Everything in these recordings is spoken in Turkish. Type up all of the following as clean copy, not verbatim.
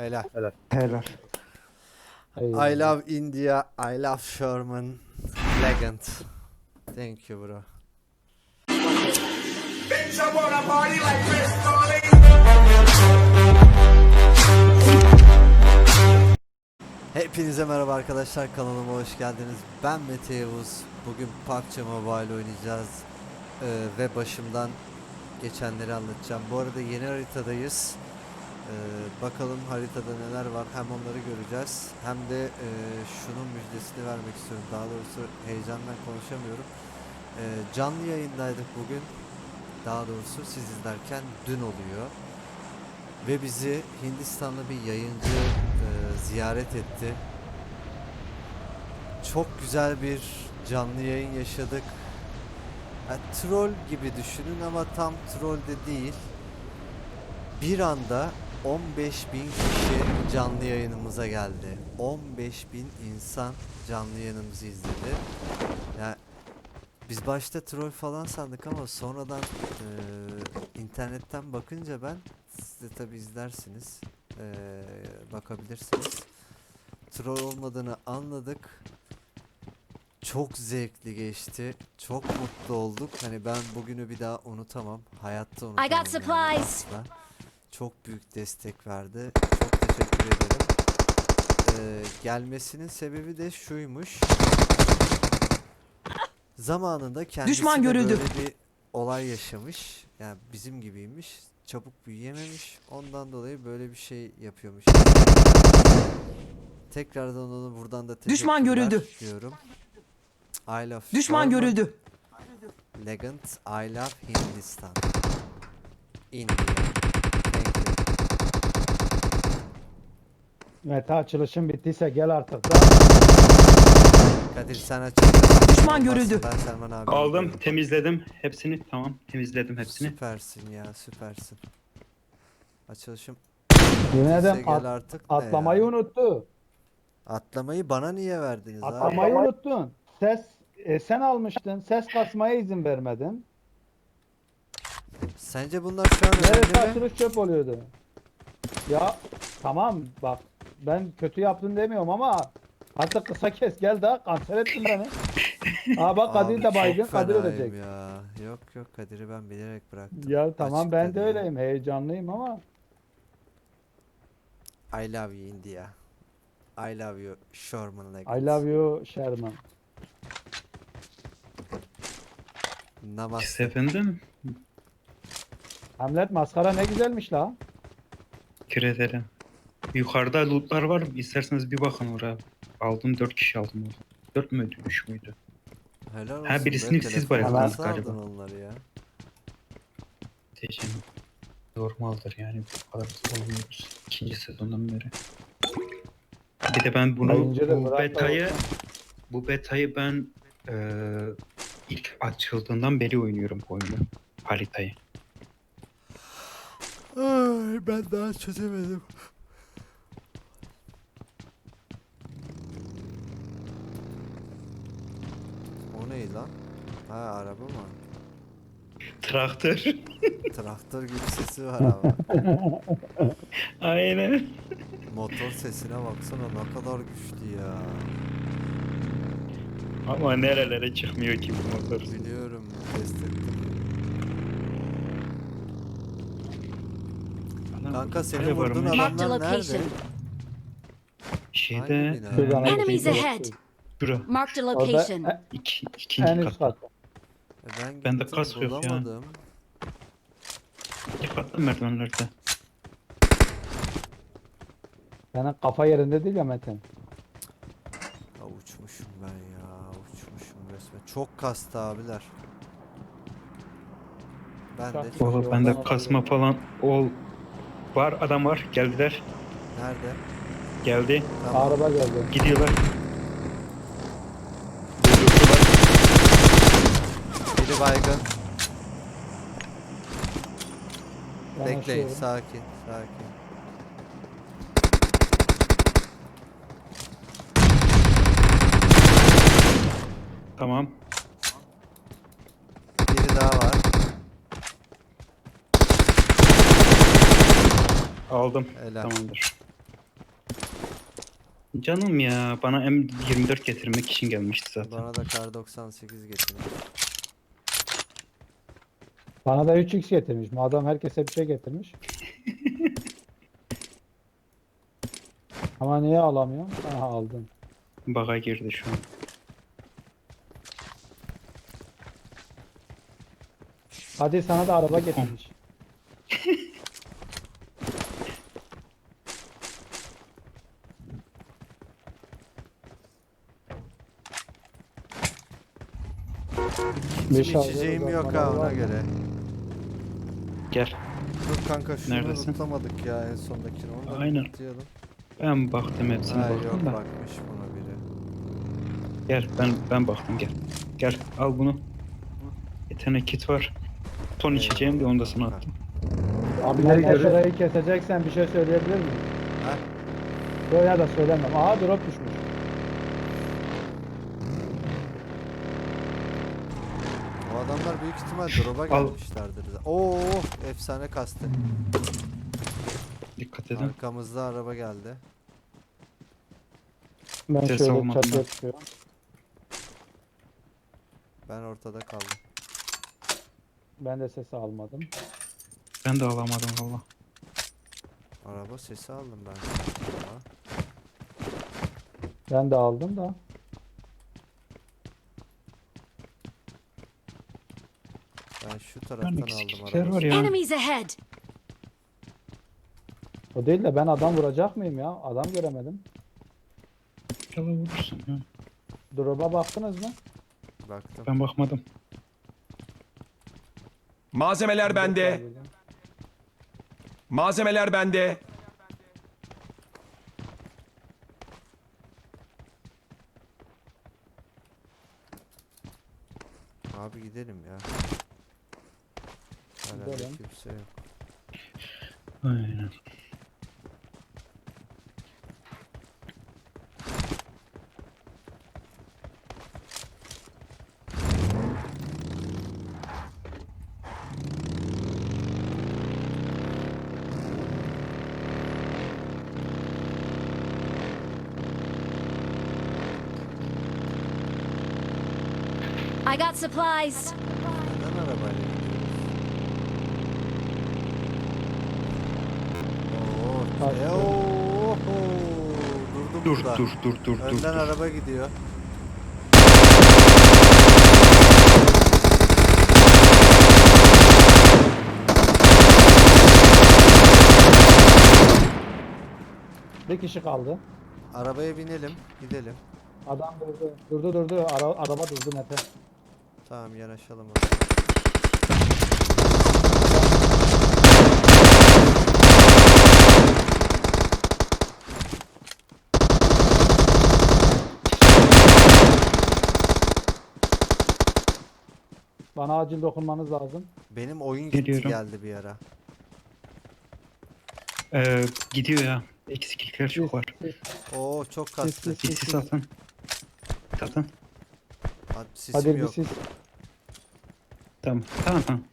Helal. Helal. Helal. I love India. I love Sherman. Legend. Thank you bro. Bitch, I wanna party like Chris Farley. Hepinize merhaba arkadaşlar, kanalıma hoş geldiniz. Ben Mete Yavuz. Bugün PUBG Mobile oynayacağız. Ve başımdan geçenleri anlatacağım. Bu arada yeni haritadayız. Bakalım haritada neler var, hem onları göreceğiz hem de şunun müjdesini vermek istiyorum. Daha doğrusu heyecandan konuşamıyorum. Canlı yayındaydık bugün. Daha doğrusu siz izlerken dün oluyor. Ve bizi Hindistanlı bir yayıncı ziyaret etti. Çok güzel bir canlı yayın yaşadık. Troll gibi düşünün ama tam troll de değil. Bir anda 15.000 kişi canlı yayınımıza geldi. 15.000 insan canlı yayınımızı izledi. Yani biz başta troll falan sandık ama sonradan internetten bakınca siz de tabi izlersiniz, bakabilirsiniz. Troll olmadığını anladık. Çok zevkli geçti. Çok mutlu olduk. Hani ben bugünü bir daha unutamam. Hayatta unutamam. I got supplies. Yani çok büyük destek verdi. Çok teşekkür ederim. Gelmesinin sebebi de şuymuş. Zamanında kendisi Düşman de görüldü. böyle bir olay yaşamış. Yani bizim gibiymiş. Çabuk büyüyememiş. Ondan dolayı böyle bir şey yapıyormuş. Tekrardan onu buradan da teşekkürler Düşman görüldü. diyorum. I love Düşman Sherman. görüldü. Legend, I love Hindistan. India. Thank you. Mete açılışın bittiyse gel artık da. Kadir sen açıyorsun. Düşman görüldü. Ben Selman abi. Aldım, temizledim hepsini. Tamam, temizledim hepsini. Süpersin ya, süpersin. Açılışım. Yemin Bize ederim gel artık ne atlamayı ya? unuttu. Atlamayı bana niye verdiniz abi? Atlamayı unuttun. Sen almıştın. Ses kasmaya izin vermedin. Sence bunlar şu an Neresi önemli mi? açılış çöp oluyordu. Ya tamam bak ben kötü yaptın demiyorum ama artık kısa kes gel daha kanser ettin beni. Aa bak Kadir Abi de baygın çok Kadir fenayım ölecek. ya. Yok Kadir'i ben bilerek bıraktım. Ya tamam Açık ben dedi de ya. öyleyim heyecanlıyım ama I love you India. I love you Sherman Legend. I love you Sherman. Namaste. Efendim, Hamlet maskara ne güzelmiş la. teşekkür ederim. Yukarıda lootlar var. İsterseniz bir bakın oraya. Aldım, 4 kişi aldım orada. 4 müydü, 3 müydü? Helal olsun. Ha, birisini be, siz telefonu bayıldınız nasıl galiba. aldın onları ya? Teşekkür. Normaldir yani, bu kadar olmuyoruz. 2. sezondan beri. Bir de ben bunu, Yayıncı da bırak da olsun. bu betayı ben ilk açıldığından beri oynuyorum bu oyunu. Haritayı. Ay, ben daha çözemedim. O ne lan? Ha, araba mı? Traktör. Traktör gibi sesi var ama. Aynen. Motor sesine baksana, ne kadar güçlü ya. Ama nerelere çıkmıyor ki bu motor. Biliyorum, test ettim. Kanka senin Hadi vurduğun varmış. Marked a adamlar nerede? location. Şeyde Hangi bina? Şuradan Enemies bir şey ahead. şura. Marked a Orada location. en İkinci üst kat. kat. Ben Bende gittim, kas yok ya. bulamadım. İkinci katta merdivenlerde. Senin kafa yerinde değil ya Metin. Ya uçmuşum ben ya, uçmuşum resmen. Çok kastı abiler. Ben de Çok çok... iyi. Valla bende kasma falan var, adam var, geldiler. Nerede? Geldi, Tamam. Araba geldi. gidiyorlar. Biri baygın. Bekleyin, Yanaşıyorum. sakin, sakin. Tamam. Biri daha var. Aldım. Helal. Tamamdır. Canım ya, bana M24 getirmek için gelmişti zaten. Bana da kar 98 getirmiş. Bana da 3x getirmiş. Madem herkese bir şey getirmiş. Ama niye alamıyorum? Aha aldım. Baga girdi şu an. Hadi sana da araba getirmiş. Hiç Beş aldı, içeceğim o yok zaman ha var ona mı? göre. Gel. Dur kanka şunu Neredesin? unutamadık ya en sondakini. Onu da Aynen. unutmayalım. Ben baktım hepsine Ha baktım yok da. bakmış buna biri. Gel ben baktım gel. Gel al bunu. Bir tane kit var. Ton içeceğim de onu da sana attım. Abileri şurayı keseceksen bir şey söyleyebilir miyim? Ha? Yok ya da söylemem. Aha drop düşmüş. O adamlar büyük ihtimal drop'a Al. gelmişlerdir. Oo efsane kastı. Dikkat edin. Arkamızda araba geldi. Ben Ses şöyle almadım çatıya ben. çıkıyorum. Ben ortada kaldım. Ben de sesi almadım. Ben de alamadım valla. Araba sesi aldım ben. Ama Ben de aldım da. ben şu taraftan aldım eksiklikler araba. var ya. Enemies ahead! O değil de ben adam vuracak mıyım ya? Adam göremedim. İnşallah vurursun ya. Drop'a baktınız mı? Baktım. Ben bakmadım. Malzemeler bende. Malzemeler bende. Abi gidelim ya. Hala Gidelim. kimse yok. Aynen. I got supplies! Neden arabayla gidiyoruz? Kaçtı. Durdum Dur burada. dur dur dur dur. Önden dur. araba gidiyor. Bir kişi kaldı. Arabaya binelim, gidelim. Adam durdu. Durdu. Araba durdu Mete. Tamam yanaşalım. Bana acil dokunmanız lazım. Benim oyun gitti Geliyorum. geldi bir ara. Gidiyor ya. Eksiklikler çok var. Oo çok kastı. Sis. Bir sis atın. Atın. Sisim Hadi bir yok. siz. Tamam. Tamam.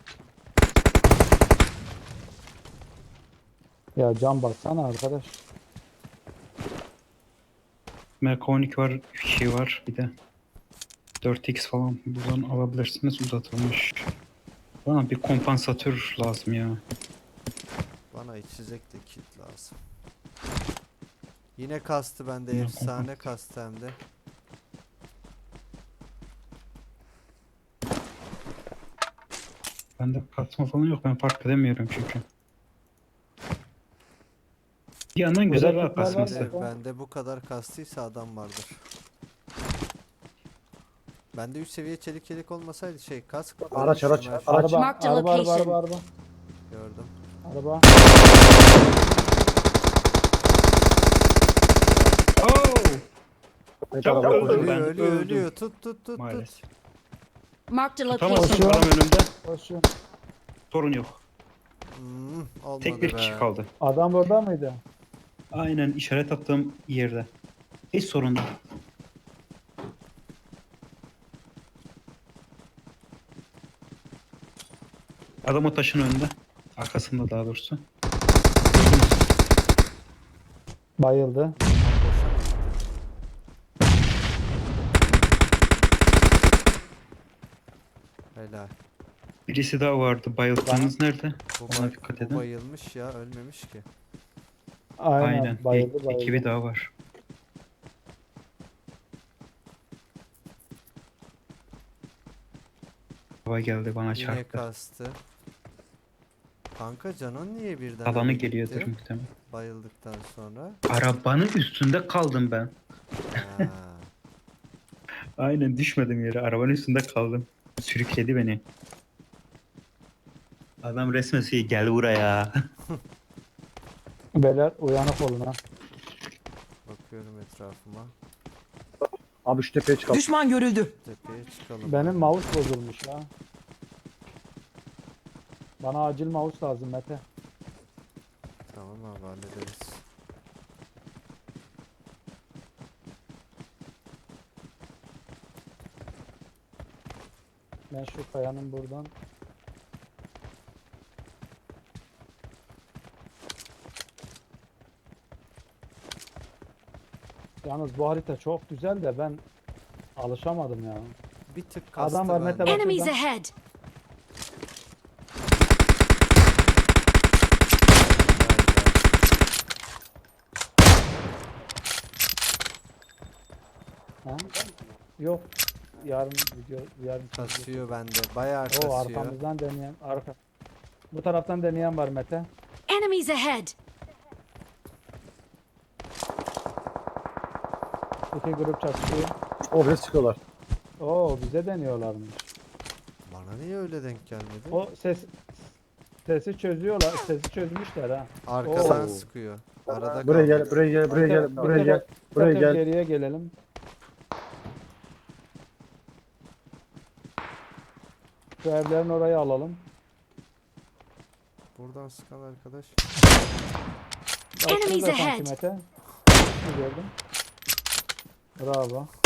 Ya cam bassana arkadaş. MK12 var. Şey var. Bir de 4x falan buradan alabilirsiniz. Uzatılmış. Bana bir kompansatör lazım ya. Bana içecek de kit lazım. Yine kastı bende Yine efsane kastı hem de. Bende katma falan yok. Ben fark edemiyorum çünkü. Bir yandan güzel Burada rahat kitler var basması. mı? Bende bu kadar kastıysa adam vardır. Bende 3 seviye çelik yelek olmasaydı kask. Araç. ölmüştüm her şey. Araba, Marked a araba. location. Gördüm. Araba. Oh! Mete araba Öldüm koşuyor. ben, Ölüyor öldüm. ölüyor. Tut. Maalesef. Marked a Tutamazsın, location. adam önümde. Koşuyor. Sorun yok. Olmadı Tek bir be. kişi kaldı. Adam burada mıydı? Aynen işaret attığım yerde. Hiç sorun değil. Adam o taşın önünde. Arkasında daha doğrusu. Bayıldı. Boşa mı gitti? Helal. Birisi daha vardı. Bayıldığınız nerede? Bu, Ona dikkat bu edin. bayılmış ya, ölmemiş ki. Aynen. Bayıldı bayıldı. Ekibi daha var. Hava geldi bana Yine çarptı. kastı. Kanka canın niye birden Alanı öyle geliyordur gitti? muhtemelen. Bayıldıktan sonra. Arabanın üstünde kaldım ben. Ha. Aynen düşmedim yere. Arabanın üstünde kaldım. Sürükledi beni. Adam resmen şey gel buraya. Beyler uyanık olun ha. Bakıyorum etrafıma. Abi şu tepeye çıkalım. Düşman görüldü. Tepeye çıkalım. Benim abi. mouse bozulmuş ya. Bana acil mouse lazım Mete. Tamam abi, hallederiz. Ben şu kayanın buradan. Yalnız bu harita çok güzel de ben alışamadım ya. Bir tık kastı Adam var, bende. Mete bak. Enemies şurada. ahead! Ha? Yok. Yarın video yarın çekeceğiz. Kasıyor bende. Bayağı O kasıyor. arkamızdan deneyen arka. Bu taraftan deneyen var Mete. Enemies ahead! İki grup çatışıyor. Oraya çıkıyorlar. Oo bize deniyorlarmış. Bana niye öyle denk gelmedi? O sesi çözüyorlar. Sesi çözmüşler ha. Arkadan Oo. sıkıyor. Arada Buraya kaldı. gel, buraya gel, buraya gel, Mete, buraya Mete, gel. Buraya Mete, gel. Geriye gelelim. Şu evlerin orayı alalım. Buradan sıkan arkadaş. Bak Enemies şurada ahead. sanki Mete. Ne gördüm? Bravo.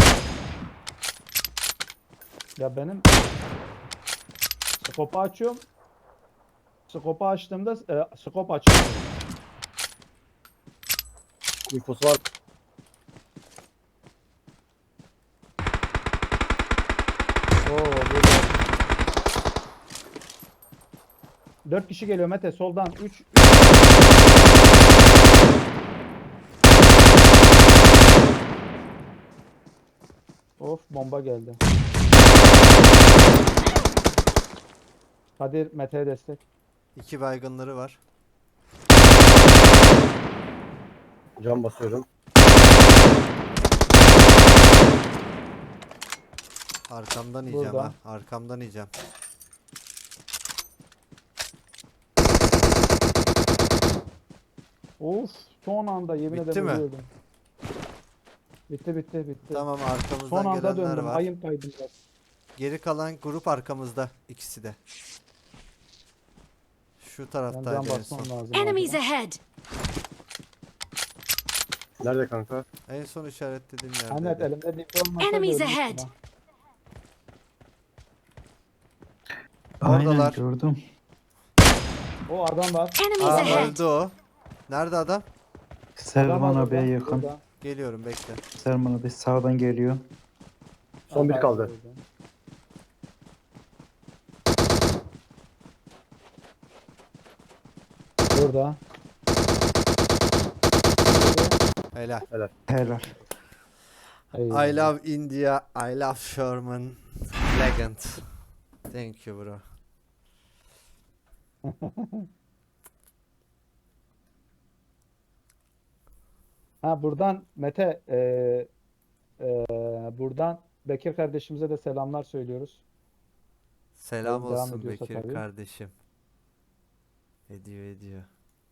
Ya benim skopu açıyorum. Skopu açtığımda skop açılmıyor. İnfosu var. Oo, burada. 4 kişi geliyor Mete soldan 3. Of bomba geldi. Kadir Mete'ye destek. 2 baygınları var. Cam basıyorum. Arkamdan yiyeceğim Burada. ha. Arkamdan yiyeceğim. Of son anda yemin Bitti ederim mi? ölüyordum. Bitti. Tamam, Son arkamızdan anda gelenler döndüm. var. Ayım kaydı biraz. Geri kalan grup arkamızda. İkisi de. Şu Ben can taraftaydı en basmam son. lazım. Enemies acaba. ahead! Nerede kanka? En son işaretlediğim Ahmet yerde. elimde dip olmasa Enemies ölmüştüm ahead. ha. Oradalar. Aynen gördüm. O adam var. Enemies Aa, ahead! öldü o. Nerede adam? Adam Selman var abiye burada, yakın. burada. Geliyorum, bekle. Selman abi sağdan geliyor. Son bir kaldı. Burada. Helal. Helal. Eyvallah. I love India. I love Sherman. Legend. Thank you bro. Ha buradan Mete buradan Bekir kardeşimize de selamlar söylüyoruz. Selam Devam olsun ediyorsa Bekir tabii. kardeşim. Ediyor.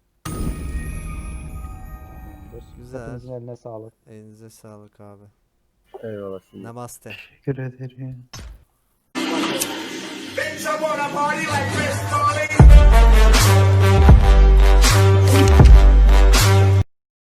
Güzel. Hepinizin eline sağlık. Elinize sağlık abi. Eyvallah şimdi. Namaste. Teşekkür ederim. Bitch, I wanna party like Chris Farley.